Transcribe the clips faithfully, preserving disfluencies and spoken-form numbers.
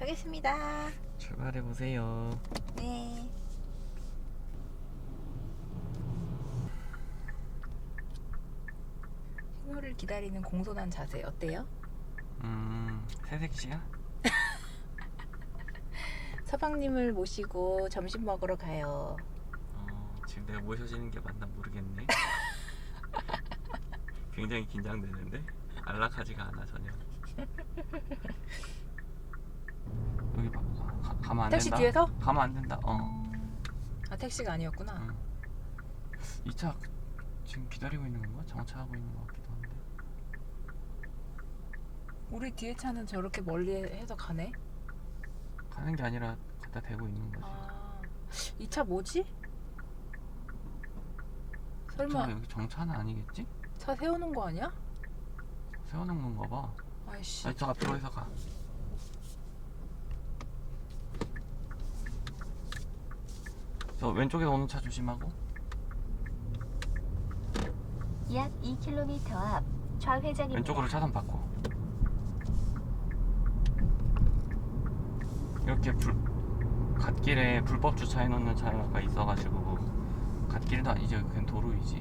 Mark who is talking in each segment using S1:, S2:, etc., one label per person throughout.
S1: 가겠습니다.
S2: 출발해 보세요.
S1: 네. 신호를 기다리는 공손한 자세 어때요?
S2: 음, 새색시야?
S1: 서방님을 모시고 점심 먹으러 가요.
S2: 어, 지금 내가 모셔지는 게 맞나 모르겠네. 굉장히 긴장되는데 안락하지가 않아 전혀. 여기 봐, 가, 가면 안
S1: 택시
S2: 된다.
S1: 뒤에서?
S2: 가면 안 된다. 어.
S1: 아, 택시가 아니었구나.
S2: 응. 이 차 지금 기다리고 있는 건가? 정차하고 있는 것 같기도 한데.
S1: 우리 뒤에 차는 저렇게 멀리 해서 가네?
S2: 가는 게 아니라 갖다 대고 있는 거지.
S1: 아, 이 차 뭐지? 설마
S2: 저 여기 정차는 아니겠지?
S1: 차 세워놓은 거 아니야?
S2: 세워놓은 건가 봐.
S1: 아이씨.
S2: 아니 저 앞으로 해서 가. 저 왼쪽에서 오는 차 조심하고.
S3: 약 이 킬로미터 앞 좌회전입니다.
S2: 왼쪽으로 차선 바꿔. 이렇게 불 갓길에 불법 주차해 놓는 차가 있어가지고 갓길도 아니지 그냥 도로이지.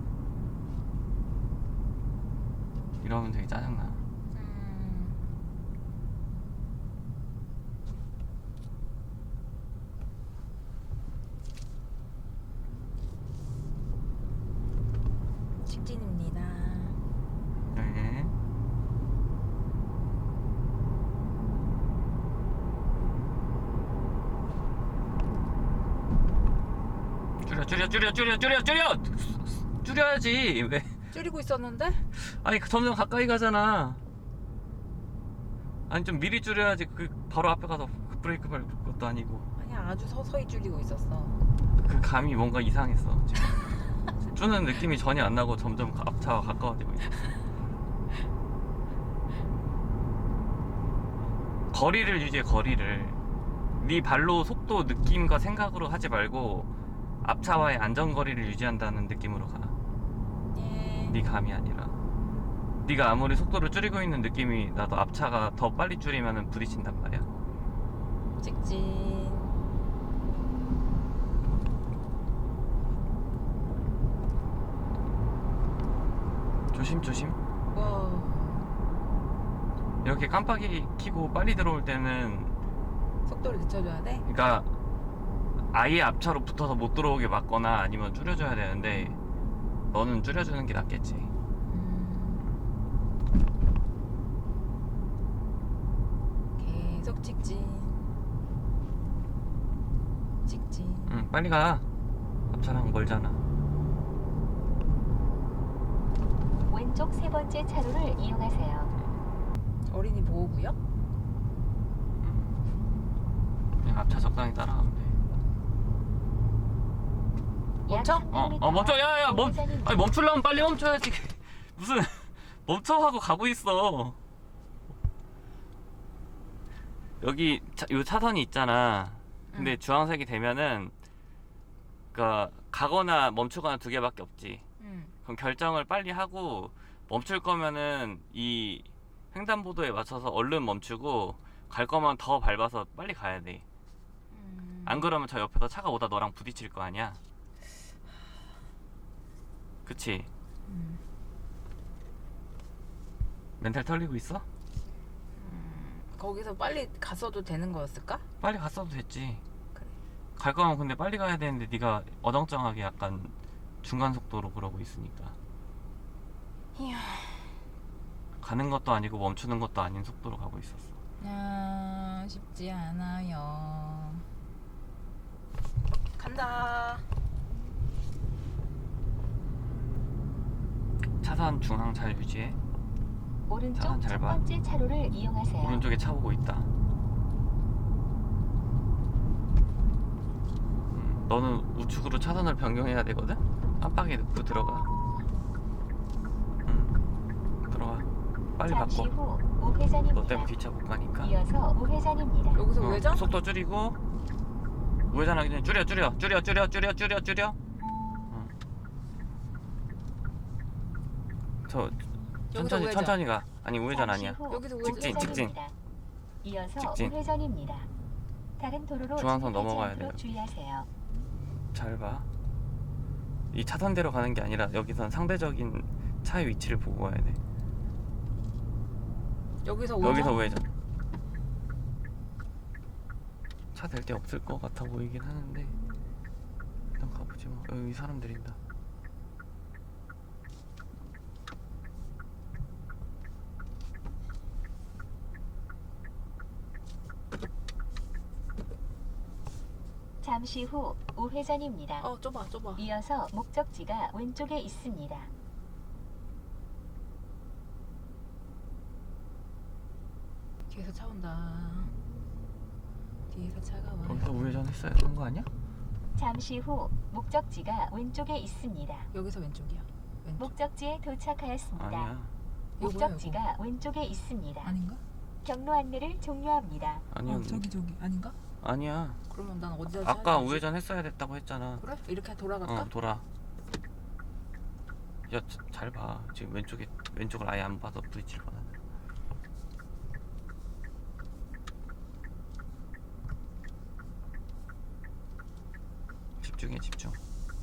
S2: 이러면 되게 짜증나.
S1: 음, 직진입니다.
S2: 네. 줄여 줄여 줄여 줄여 줄여 줄여 줄여야지. 왜?
S1: 줄이고 있었는데?
S2: 아니 그 점점 가까이 가잖아. 아니 좀 미리 줄여야지. 그 바로 앞에 가서 브레이크 밟을 것도 아니고.
S1: 아니야, 아주 서서히 줄이고 있었어.
S2: 그 감이 뭔가 이상했어 지금. 주는 느낌이 전혀 안 나고 점점 앞차와 가까워지고 있어. 거리를 유지해. 거리를 네 발로 속도 느낌과 생각으로 하지 말고 앞차와의 안전거리를 유지한다는 느낌으로 가.
S1: 예.
S2: 네 감이 아니라. 네가 아무리 속도를 줄이고 있는 느낌이 나도 앞차가 더 빨리 줄이면 부딪힌단 말이야.
S1: 직진.
S2: 조심 조심.
S1: 와.
S2: 이렇게 깜빡이 켜고 빨리 들어올 때는
S1: 속도를 늦춰줘야 돼?
S2: 그러니까 아예 앞차로 붙어서 못 들어오게 막거나 아니면 줄여줘야 되는데 너는 줄여주는 게 낫겠지.
S1: 음. 계속 직진. 직진.
S2: 응 빨리 가. 앞차랑 멀잖아.
S3: 왼쪽 세 번째 차로를 이용하세요.
S1: 어린이 보호구역?
S2: 그냥 앞차 적당히 따라가면 돼.
S1: 멈춰?
S2: 어, 어 멈춰. 야야 멈 아니 멈추려면 빨리 멈춰야지. 무슨 멈춰 하고 가고 있어. 여기 차, 요 차선이 있잖아. 근데
S1: 응.
S2: 주황색이 되면은 그니까 가거나 멈추거나 두 개밖에 없지.
S1: 응.
S2: 그럼 결정을 빨리 하고 멈출 거면은 이 횡단보도에 맞춰서 얼른 멈추고 갈 거면 더 밟아서 빨리 가야 돼.
S1: 음.
S2: 안 그러면 저 옆에서 차가 오다 너랑 부딪힐 거 아니야. 그치?
S1: 음.
S2: 멘탈 털리고 있어?
S1: 거기서 빨리 갔어도 되는 거였을까?
S2: 빨리 갔어도 됐지.
S1: 그래.
S2: 갈 거면 근데 빨리 가야 되는데 네가 어정쩡하게 약간 중간 속도로 그러고 있으니까.
S1: 이야.
S2: 가는 것도 아니고 멈추는 것도 아닌 속도로 가고 있었어.
S1: 아, 쉽지 않아요. 간다.
S2: 차선 중앙 잘 유지해.
S3: 오른쪽
S2: 차선 잘
S3: 첫
S2: 봐.
S3: 번째 차로를 이용하세요.
S2: 오른쪽에 차 오고 있다. 음, 너는 우측으로 차선을 변경해야 되거든? 깜빡이 넣고 들어가. 음, 들어가. 빨리
S3: 잠시
S2: 바꿔.
S3: 후 우회전입니다.
S2: 너 때문에 뒷차 못 가니까.
S3: 이어서 우회전입니다.
S1: 여기서
S2: 어,
S1: 우회전?
S2: 속도 줄이고 우회전하기 전에 줄여 줄여 줄여 줄여 줄여 줄여 줄여. 어. 저 천천히
S1: 우회전.
S2: 천천히 가. 아니 우회전
S3: 잠시
S2: 아니야.
S3: 후
S1: 여기서 우회전.
S2: 직진, 직진.
S3: 우회전입니다. 이어서
S2: 직진.
S3: 우회전입니다. 다른 도로로
S2: 중앙선
S3: 진입하지
S2: 넘어가야
S3: 않도록
S2: 돼요.
S3: 주의하세요.
S2: 잘 봐. 이 차선대로 가는 게 아니라 여기선 상대적인 차의 위치를 보고 가야 돼.
S1: 여기서 우회전?
S2: 여기서 우회전. 차 될 데 없을 것 같아 보이긴 하는데 일단 가보지 뭐. 여기 사람 들인다.
S3: 잠시 후 우회전입니다.
S1: 어 좁아 좁아.
S3: 이어서 목적지가 왼쪽에 있습니다.
S1: 뒤에서 차 온다. 뒤에서 차가 와.
S2: 여기서 우회전 했어야 되는 거 아니야?
S3: 잠시 후 목적지가 왼쪽에 있습니다.
S1: 여기서 왼쪽이야. 왼쪽.
S3: 목적지에 도착하였습니다.
S2: 아니야.
S3: 목적지가 왼쪽에 있습니다.
S1: 아닌가?
S3: 경로 안내를 종료합니다.
S2: 아니야.
S1: 어, 저기 저기 아닌가?
S2: 아니야.
S1: 그러면 난 어디다
S2: 아까
S1: 차야 되지?
S2: 우회전 했어야 됐다고 했잖아.
S1: 그래? 이렇게 돌아갈까?
S2: 어, 돌아. 야, 잘 봐. 지금 왼쪽에 왼쪽을 아예 안 봐서 부딪힐 뻔하네. 집중해, 집중.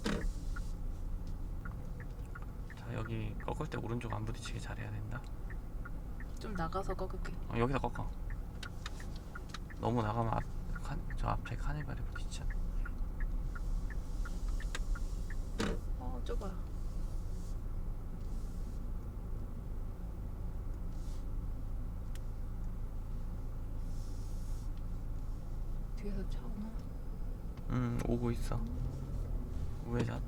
S2: 자, 여기 꺾을 때 오른쪽 안 부딪히게 잘해야 된다.
S1: 좀 나가서 꺾을게.
S2: 어, 여기서 꺾어. 너무 나가면 앞, 칸, 저 앞에 카니발에 부딪히잖아.
S1: 어 좁아. 뒤에서 차 오나?
S2: 음, 오고 있어. 우회전.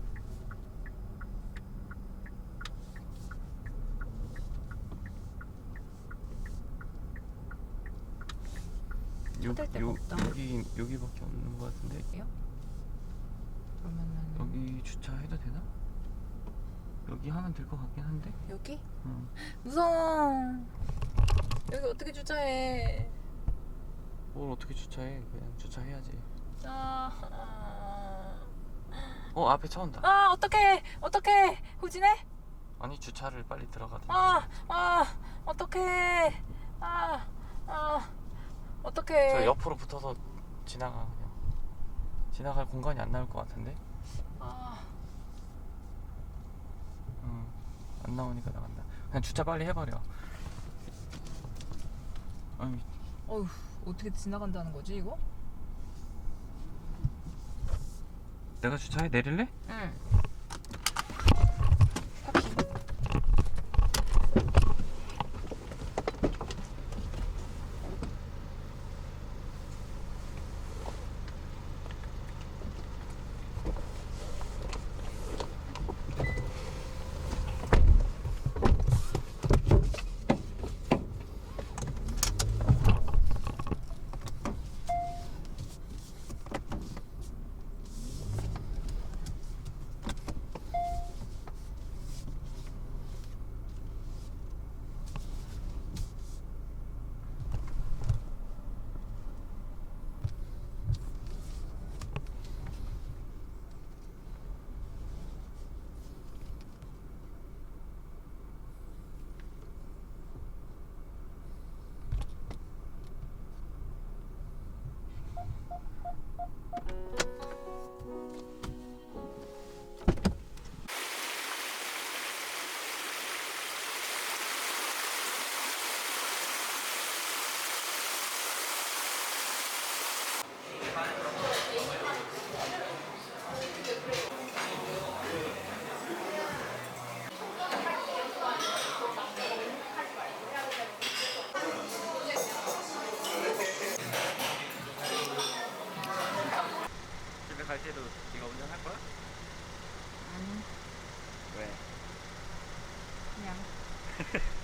S2: 요,
S1: 찾을 데가
S2: 요,
S1: 없다.
S2: 여기 여기밖에 없는 것 같은데.
S1: 그러면은
S2: 여기 주차해도 되나? 여기 하면 될 것 같긴 한데.
S1: 여기?
S2: 응.
S1: 무서워. 여기 어떻게 주차해?
S2: 뭘 어떻게 주차해? 그냥 주차해야지.
S1: 아, 아,
S2: 어, 앞에 차 온다.
S1: 아 어떡해 어떡해 후진해?
S2: 아니, 주차를 빨리 들어가든지.
S1: 아, 아, 어떡해. 아, 아, 어떡해.
S2: 저 옆으로 붙어서 지나가 그냥. 지나갈 공간이 안 나올 것 같은데.
S1: 아,
S2: 응. 안 나오니까 나간다. 그냥 주차 빨리 해버려. 아니,
S1: 어휴, 어떻게 지나간다는 거지 이거?
S2: 내가 주차해 내릴래?
S1: 응.
S2: 집에 갈 때도 네가 운전할 거야?
S1: 아니,
S2: 왜?
S1: 그냥